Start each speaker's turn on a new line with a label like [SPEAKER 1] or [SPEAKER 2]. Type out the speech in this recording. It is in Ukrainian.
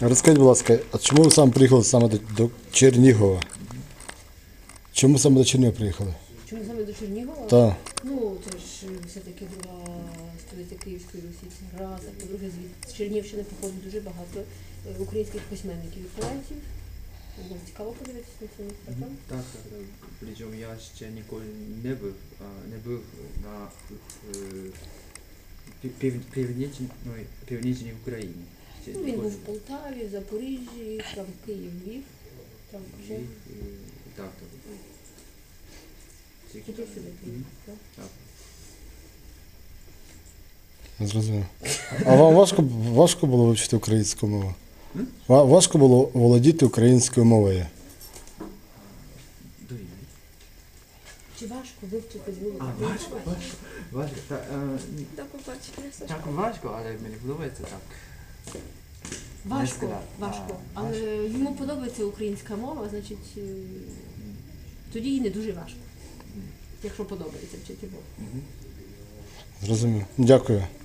[SPEAKER 1] Розкажіть, будь ласка, а чому ви саме приїхали саме до Чернігова? Чому саме до Чернігова приїхали?
[SPEAKER 2] Чому саме до Чернігова?
[SPEAKER 1] Так.
[SPEAKER 2] Ну, це ж все-таки друга столиця Київської Русі, це раз, а по-друге, з Чернігівщини походить дуже багато українських письменників і поетів. Було цікаво подивитися на це місце, так?
[SPEAKER 3] Так. Причому я ще ніколи не був на північній Україні. Ще
[SPEAKER 2] Ну, він
[SPEAKER 3] ніколи.
[SPEAKER 2] був в Полтаві, в Запоріжжі, там Київ, Львів, там вже
[SPEAKER 3] Так.
[SPEAKER 2] туди сюди приїхав, так?
[SPEAKER 3] Так.
[SPEAKER 1] Зрозумів. А вам важко було вивчити українську мову? Важко було володіти українською мовою?
[SPEAKER 3] До війни.
[SPEAKER 2] Чи важко вивчити звук?
[SPEAKER 3] Важко.
[SPEAKER 2] До побачення, Сашко.
[SPEAKER 3] Так важко, але мені подобається так.
[SPEAKER 2] Важко,
[SPEAKER 3] сказати.
[SPEAKER 2] важко.
[SPEAKER 3] А,
[SPEAKER 2] Але йому подобається українська мова, значить, тоді їй не дуже важко. Якщо подобається вчити мову.
[SPEAKER 1] Зрозумів. Дякую.